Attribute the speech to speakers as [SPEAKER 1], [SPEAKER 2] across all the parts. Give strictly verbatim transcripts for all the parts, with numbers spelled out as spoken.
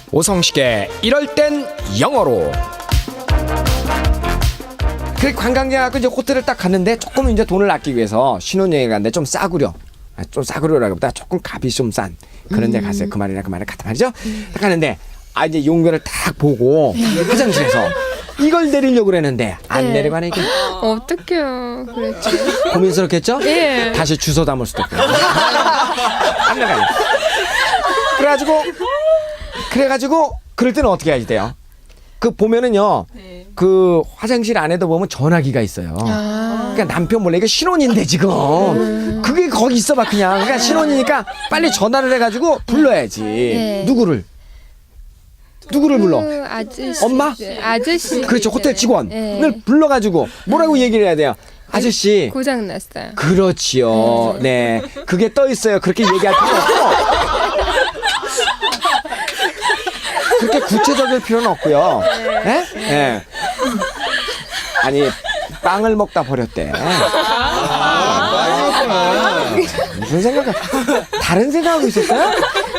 [SPEAKER 1] 오성식의 이럴 땐 영어로. 그 관광지 가고 이제 호텔을 딱 갔는데 조금 이제 돈을 아끼기 위해서 신혼여행 갔는데 좀 싸구려. 좀 싸구려라기보다 조금 값이 좀 싼 그런 데 갔어요. 그 말이나 그 말이나 같단 말이죠. 딱 갔는데 아 이제 용변을 딱 보고 화장실에서 이걸 내리려고 그랬는데 안
[SPEAKER 2] 네.
[SPEAKER 1] 내려가네 이게.
[SPEAKER 2] 어떡해요. 그랬죠.
[SPEAKER 1] 고민스럽겠죠?
[SPEAKER 2] 예.
[SPEAKER 1] 다시 주워 담을 수도 없고. 안 나가요. 그래가지고 그래가지고 그럴 때는 어떻게 해야지 돼요? 그 보면은요. 그 화장실 안에도 보면 전화기가 있어요.
[SPEAKER 2] 아.
[SPEAKER 1] 그러니까 남편 몰래 이게 신혼인데 지금 그게 거기 있어봐 그냥. 그러니까 신혼이니까 빨리 전화를 해가지고 불러야지.
[SPEAKER 2] 네.
[SPEAKER 1] 누구를? 누구를 불러?
[SPEAKER 2] 그 아저씨.
[SPEAKER 1] 엄마?
[SPEAKER 2] 아저씨.
[SPEAKER 1] 그렇죠. 호텔 직원을
[SPEAKER 2] 네.
[SPEAKER 1] 불러가지고 뭐라고 얘기를 해야 돼요? 아저씨.
[SPEAKER 2] 고장 났어요.
[SPEAKER 1] 그렇지요. 네. 그게 떠 있어요. 그렇게 얘기할 필요 없고. 그렇게 구체적일 필요는 없고요. 네? 네. 아니, 빵을 먹다 버렸대. 무슨 생각, 다른 생각하고 있었어요?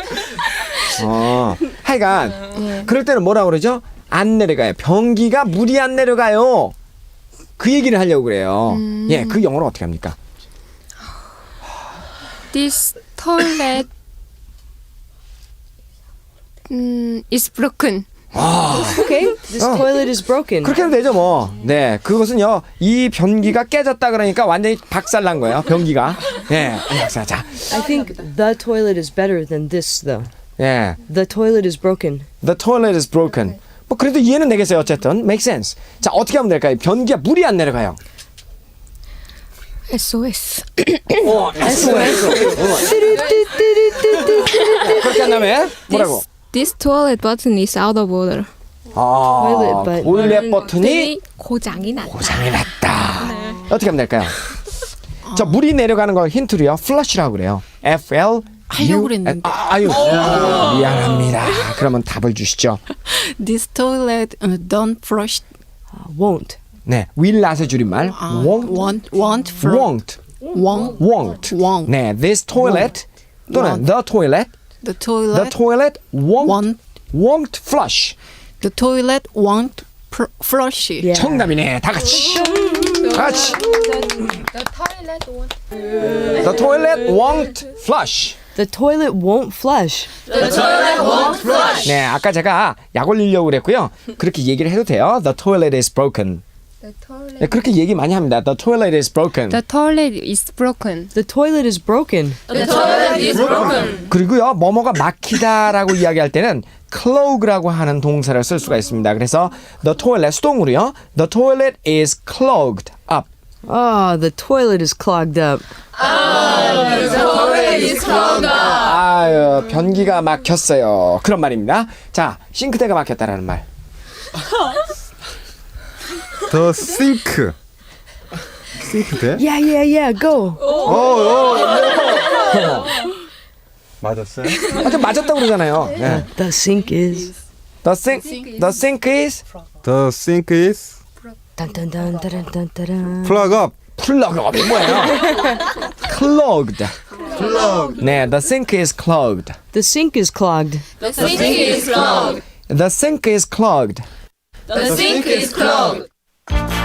[SPEAKER 1] 어, 하여간, 그럴 때는 뭐라고 그러죠? 안 내려가요. 변기가 물이 안 내려가요. 그 얘기를 하려고 그래요.
[SPEAKER 2] 음.
[SPEAKER 1] 예, 그 영어로 어떻게 합니까?
[SPEAKER 2] This toilet 음, is broken.
[SPEAKER 3] Okay, this
[SPEAKER 1] Oh.
[SPEAKER 3] toilet is broken.
[SPEAKER 1] 그렇게 하면 되죠, 뭐. 네, 그것은요, 이 변기가 깨졌다 그러니까 완전히 박살난 거예요, 변기가. 예, 박살. 자,
[SPEAKER 3] I think the toilet is better than this, though.
[SPEAKER 1] 예,
[SPEAKER 3] The toilet is broken.
[SPEAKER 1] the toilet is broken. 뭐 그래도 이해는 되겠어요, 어쨌든. Make sense. 자, 어떻게 하면 될까요? 변기가 물이 안 내려가요.
[SPEAKER 2] 에스오에스.
[SPEAKER 1] 어, 에스오에스. 그렇게 한 다음에 뭐라고?
[SPEAKER 2] This, this toilet button is out of order.
[SPEAKER 1] 아,
[SPEAKER 3] toilet button.
[SPEAKER 1] toilet 버튼이
[SPEAKER 2] 고장이 났다.
[SPEAKER 1] 고장이 났다. 어떻게 하면 될까요? 저 물이 내려가는 거 힌트로요. 플러시라고 그래요. F L
[SPEAKER 4] 하려고 그랬는데.
[SPEAKER 1] 아, 아유 미안합니다. 그러면 답을 주시죠.
[SPEAKER 4] This toilet uh, don't flush.
[SPEAKER 3] Uh, won't.
[SPEAKER 1] 네, will not의 줄임말.
[SPEAKER 4] 아,
[SPEAKER 1] won't,
[SPEAKER 4] won't, won't, flush.
[SPEAKER 1] won't,
[SPEAKER 4] won't,
[SPEAKER 1] won't.
[SPEAKER 4] won't.
[SPEAKER 1] 네, this toilet 또는
[SPEAKER 4] won't.
[SPEAKER 1] the toilet,
[SPEAKER 4] The
[SPEAKER 1] the
[SPEAKER 4] toilet
[SPEAKER 1] toilet won't,
[SPEAKER 4] won't.
[SPEAKER 1] won't flush.
[SPEAKER 4] The toilet won't pr- flush.
[SPEAKER 3] Yeah.
[SPEAKER 1] 정답이네. 다 같이. 다 같이.
[SPEAKER 2] The toilet won't.
[SPEAKER 1] The toilet won't flush.
[SPEAKER 3] The toilet won't flush.
[SPEAKER 1] 네, 아까 제가 약 올리려고 그랬고요. 그렇게 얘기를 해도 돼요. The toilet is broken.
[SPEAKER 2] The toilet.
[SPEAKER 1] 네, 그렇게 얘기 많이 합니다. The toilet is broken.
[SPEAKER 2] The toilet is broken.
[SPEAKER 3] The toilet is broken.
[SPEAKER 1] 그리고요, 뭐뭐가 막히다라고 이야기할 때는 clog라고 하는 동사를 쓸 수가 있습니다. 그래서 the toilet 수동으로요. The toilet is clogged up.
[SPEAKER 3] Oh, the toilet is clogged up.
[SPEAKER 1] 아유, 변기가 막혔어요. 그런 말입니다. 자, 싱크대가 막혔다라는 말.
[SPEAKER 5] The sink. 싱크대?
[SPEAKER 3] Yeah, yeah, yeah. Go.
[SPEAKER 5] 맞았어요?
[SPEAKER 1] 아, 좀 맞았다고 그러잖아요. 네.
[SPEAKER 3] The sink is.
[SPEAKER 1] The sink, the sink is
[SPEAKER 5] The sink is
[SPEAKER 3] Dun dun dun dun dun dun dun.
[SPEAKER 5] plug up.
[SPEAKER 1] 플러그업이 뭐예요? clogged. 네, the sink is clogged.
[SPEAKER 3] The sink is clogged.
[SPEAKER 1] The sink is clogged. The sink is clogged.